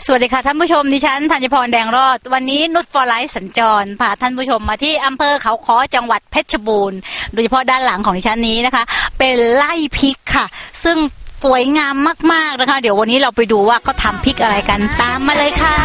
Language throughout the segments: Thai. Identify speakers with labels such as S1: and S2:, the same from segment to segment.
S1: สวัสดีค่ะท่านผู้ชมดิฉันธัญพรแดงรอดวันนี้นุชฟอร์ไลท์สัญจรพาท่านผู้ชมมาที่อำเภอเขาค้อจังหวัดเพชรบูรณ์โดยเฉพาะด้านหลังของดิฉันนี้นะคะเป็นไร่พริกค่ะซึ่งสวยงามมากๆนะคะเดี๋ยววันนี้เราไปดูว่าเขาทำพริกอะไรกันตามมาเลยค่ะ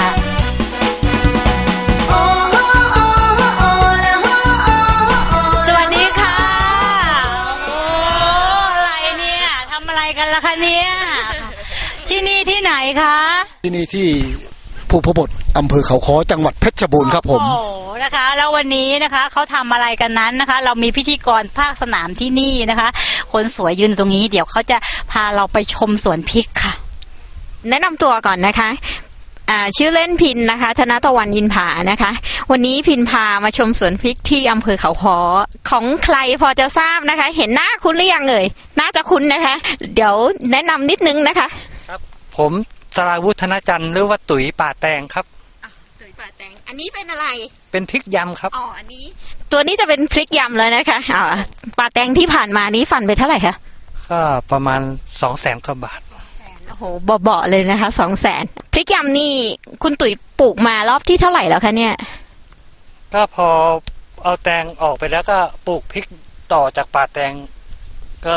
S1: สวัสดีค่ะโอ้อะไรเนี่ยทำอะไรกันล่ะคะเนี่ยที่นี่ที่ไหนคะ
S2: ที่นี่ที่ภูพบทอำเภอเขาค้อจังหวัดเพชรบูรณ์ครับผม
S1: โอ้นะคะแล้ววันนี้นะคะเขาทำอะไรกันนั้นนะคะเรามีพิธีกรภาคสนามที่นี่นะคะคนสวยยืนตรงนี้เดี๋ยวเขาจะพาเราไปชมสวนพริกค่ะ
S3: แนะนำตัวก่อนนะคะชื่อเล่นพินนะคะธนตะวันยินผานะคะวันนี้พินพามาชมสวนพริกที่อำเภอเขาค้อของใครพอจะทราบนะคะเห็นหน้าคุ้นหรือยังเอ่ยน่าจะคุ้นนะคะเดี๋ยวแนะนำนิดนึงนะคะ
S4: ครับผมสราวุฒนจันทร์หรือว่าตุ๋ยป่าแตงครับ
S3: ตุ๋ยป่าแตงอันนี้เป็นอะไร
S4: เป็นพริกยำครับ
S3: อันนี้ตัวนี้จะเป็นพริกยำเลยนะคะป่าแตงที่ผ่านมานี้ฟันไปเท่าไหร่คะ
S4: ก็ประมาณ200,000 กว่าบาท
S3: โอ้โหเบาๆเลยนะคะ200,000พริกยำนี่คุณตุ๋ยปลูกมารอบที่เท่าไหร่แล้วคะเนี่ย
S4: ก็พอเอาแตงออกไปแล้วก็ปลูกพริกต่อจากป่าแตงก็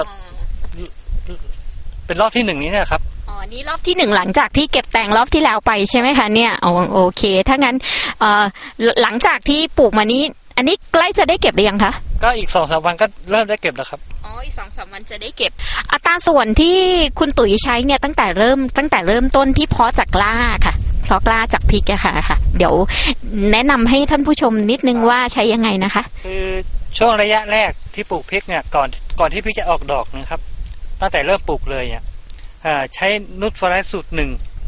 S4: เป็นรอบที่1นี้นะครับ
S3: นี่รอบที่1หลังจากที่เก็บแตงรอบที่แล้วไปใช่ไหมคะเนี่ยโอเคถ้างั้นหลังจากที่ปลูกมานี้อันนี้ใกล้จะได้เก็บหรือยังคะ
S4: ก็อีก 2-3 วันก็เริ่มได้เก็บแล้วครับ
S3: อีก 2-3 วันจะได้เก็บอัตราส่วนที่คุณตุ๋ยใช้เนี่ยตั้งแต่เริ่มต้นที่เพาะจากกล้าค่ะเพาะกล้าจากพริกอะค่ะเดี๋ยวแนะนำให้ท่านผู้ชมนิดนึงว่าใช้ยังไงนะคะ
S4: คือช่วงระยะแรกที่ปลูกพริกเนี่ยก่อนที่พริกจะออกดอกนะครับตั้งแต่เริ่มปลูกเลยเนี่ยใช้นูตฟอร์ไลท์สูตร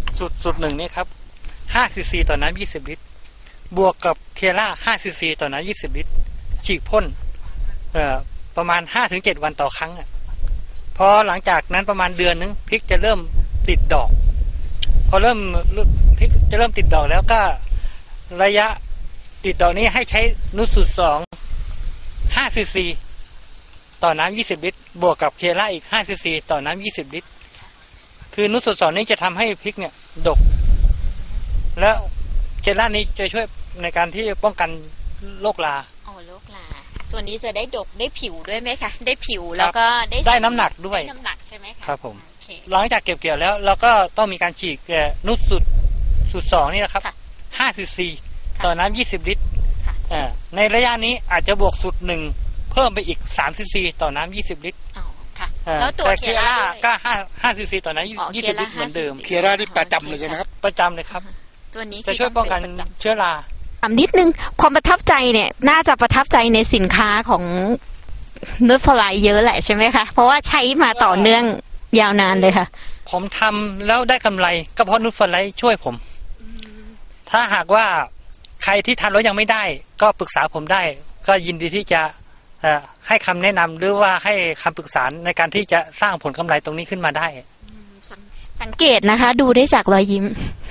S4: 1นี่ครับ5 cc ต่อน้ำ20 ลิตรบวกกับเคล่า5 cc ต่อน้ำ20 ลิตรฉีกพ่นประมาณ 5-7 วันต่อครั้งพอหลังจากนั้นประมาณเดือนนึงพริกจะเริ่มติดดอกพอพริกจะเริ่มติดดอกแล้วก็ระยะติดดอกนี้ให้ใช้นูตสูตร2 5 cc ต่อน้ำ20 ลิตรบวกกับเคล่าอีก5 cc ต่อน้ำ20 ลิตรคือนูตสูตร2นี้จะทำให้พริกเนี่ยดกแล้วเคล่านี้จะช่วยในการที่ป้องกันโรครา
S3: โรคราตัวนี้จะได้ดกได้ผิวด้วยไหมคะได้ผิวแล้วก็
S4: ได้น้ำหนักด้วย
S3: ได้น้ำหนักใช่ไหมคะ
S4: ครับผมหลังจากเก็บเกี่ยวแล้วเราก็ต้องมีการฉีกนูตสูตร2นี่นะครับ5 cc ต่อน้ำ20 ลิตรในระยะนี้อาจจะบวกสูตร1เพิ่มไปอีก3 cc ต่อน้ำ20 ลิตร
S3: แล้วตัวเคล่า
S4: ก็5 cc ต่อน้ำ20 ลิตรเหมือนเดิม
S2: เคล่านี่ประจำเลยใช่ไหมครับ
S4: ประจำเลยครับ
S3: ตัวนี้
S4: จะช่วยป้องกันเชื้อรา
S3: นิดนึงความประทับใจเนี่ยน่าจะประทับใจในสินค้าของนูตฟอร์ไลท์เยอะแหละใช่ไหมคะเพราะว่าใช้มาต่อเนื่องยาวนานเลยค่ะ
S4: ผมทำแล้วได้กำไรก็เพราะนูตฟอร์ไลท์ช่วยผมถ้าหากว่าใครที่ทำแล้วยังไม่ได้ก็ปรึกษาผมได้ก็ยินดีที่จะให้คำแนะนำหรือว่าให้คำปรึกษาในการที่จะสร้างผลกำไรตรงนี้ขึ้นมาได้
S3: สังเกตนะคะดูได้จากรอยยิ้ม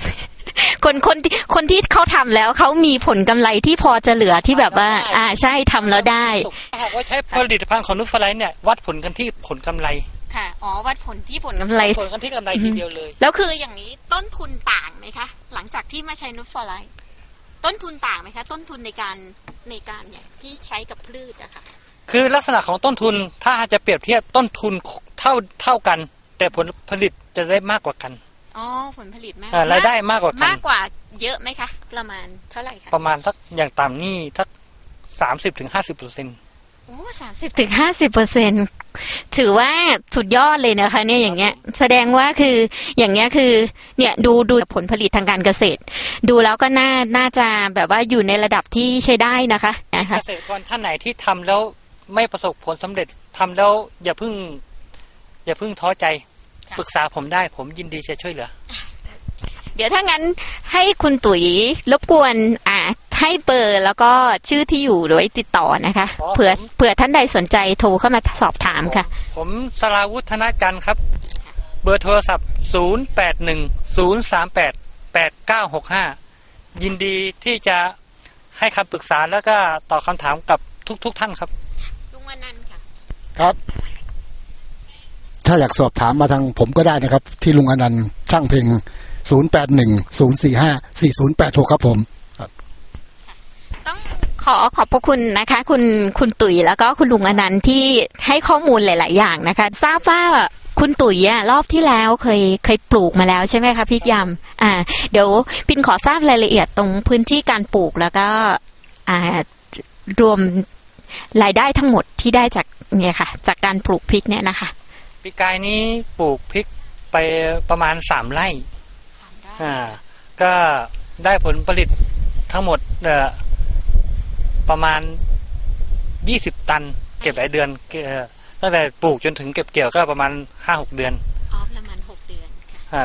S3: คนที่เขาทำแล้วเขามีผลกำไรที่พอจะเหลือที่แบบว่าใช่ทำแล้วได้
S4: หากว่าใช้ผลิตภัณฑ์ของนูตฟอร์ไลท์เนี่ยวัดผลกันที่ผลกำไร
S3: ค่ะวัดผลที่ผลกำไร
S4: ผลกันที่กำไรทีเดียวเลย
S3: แล้วคืออย่างนี้ต้นทุนต่างไหมคะหลังจากที่มาใช้นูตฟอร์ไลท์ต้นทุนต่างไหมคะต้นทุนในการเนี่ยที่ใช้กับพืชอะค่ะ
S4: คือลักษณะของต้นทุนถ้าจะเปรียบเทียบต้นทุนเท่ากันแต่ผลผลิตจะได้มากกว่ากัน
S3: ผลผลิตมาก
S4: รายได้มากกว่ากัน
S3: มากกว่าเยอะไหมคะประมาณเท่าไหร่คะ
S4: ประมาณสักอย่างต่ำนี่สัก30-50%
S3: 30-50%ถือว่าสุดยอดเลยนะคะเนี่ยอย่างเงี้ยแสดงว่าคืออย่างเงี้ยคือเนี่ยดูผลผลิตทางการเกษตรดูแล้วก็น่าจะแบบว่าอยู่ในระดับที่ใช้ได้นะคะ
S4: เกษตรกรท่านไหนที่ทำแล้วไม่ประสบผลสำเร็จทำแล้วอย่าเพิ่งท้อใจปรึกษาผมได้ผมยินดีจะช่วยเหลือ
S3: เดี๋ยวถ้างั้นให้คุณตุ๋ยรบกวนให้เบอร์แล้วก็ชื่อที่อยู่โดยติดต่อนะคะเผื่อท่านใดสนใจโทรเข้ามาสอบถามค่ะ
S4: ผมสราวุฒนจันทร์ครับเบอร์โทรศัพท์0810388965ยินดีที่จะให้คำปรึกษาแล้วก็ตอบคำถามกับทุกท่านครับ
S3: ลุงอนันต์ค่ะ
S2: ครับถ้าอยากสอบถามมาทางผมก็ได้นะครับที่ลุงอนันต์ช่างเพ็ง 0810454086ครับผม
S3: ต้องขอบพระคุณนะคะคุณตุ๋ยแล้วก็คุณลุงอนันต์ที่ให้ข้อมูลหลาย ๆ อย่างนะคะทราบว่าคุณตุ๋ยรอบที่แล้วเคยปลูกมาแล้วใช่ไหมคะพริกยำเดี๋ยวปินขอทราบรายละเอียดตรงพื้นที่การปลูกแล้วก็รวมรายได้ทั้งหมดที่ได้จากเนี่ยค่ะจากการปลูกพริกเนี่ยนะคะ
S4: ปีกายนี้ปลูกพริกไปประมาณ3 ไร่ก็ได้ผลผลิตทั้งหมดประมาณ20 ตันเก็บหลายเดือนตั้งแต่ปลูกจนถึงเก็บเกี่ยวก็ประมาณ 5-6 เดือน
S3: ประมาณ6 เดือน
S4: ค่ะ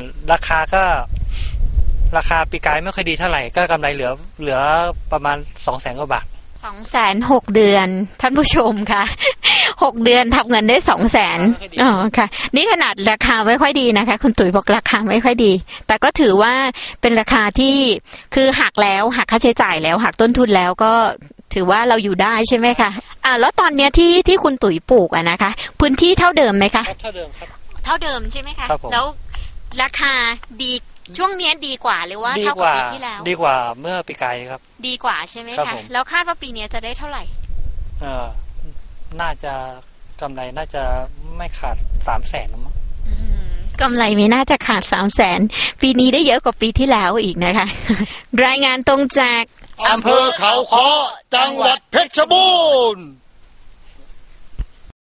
S4: ราคาปีกายไม่ค่อยดีเท่าไหร่ก็กำไรเหลือประมาณ 200,000 กว่าบาท
S3: 206 เดือนท่านผู้ชมค่ะ6 เดือนทำเงินได้ 200,000ค่ะนี่ขนาดราคาไม่ค่อยดีนะคะคุณตุ๋ยบอกราคาไม่ค่อยดีแต่ก็ถือว่าเป็นราคาที่คือหักค่าใช้จ่ายแล้วหักต้นทุนแล้วก็ถือว่าเราอยู่ได้ใช่ไหมคะแล้วตอนเนี้ยที่คุณตุ๋ยปลูกนะคะพื้นที่เท่าเดิมไหมคะ
S4: เท่าเดิมครับ
S3: เท่าเดิมใช่ไหมคะแล้วราคาดีช่วงนี้ดีกว่าหรือว่าเท่ากับปีที่แล้ว
S4: ดีกว่าเมื่อปีกายครับ
S3: ดีกว่าใช่ไหมคะแล้วคาดว่าปีนี้จะได้เท่าไหร่
S4: น่าจะกำไรน่าจะไม่ขาด300,000มั้ง
S3: กำไรไม่น่าจะขาด300,000ปีนี้ได้เยอะกว่าปีที่แล้วอีกนะคะรายงานตรงจาก
S2: อำเภอเขาค้อจังหวัดเพชรบูรณ์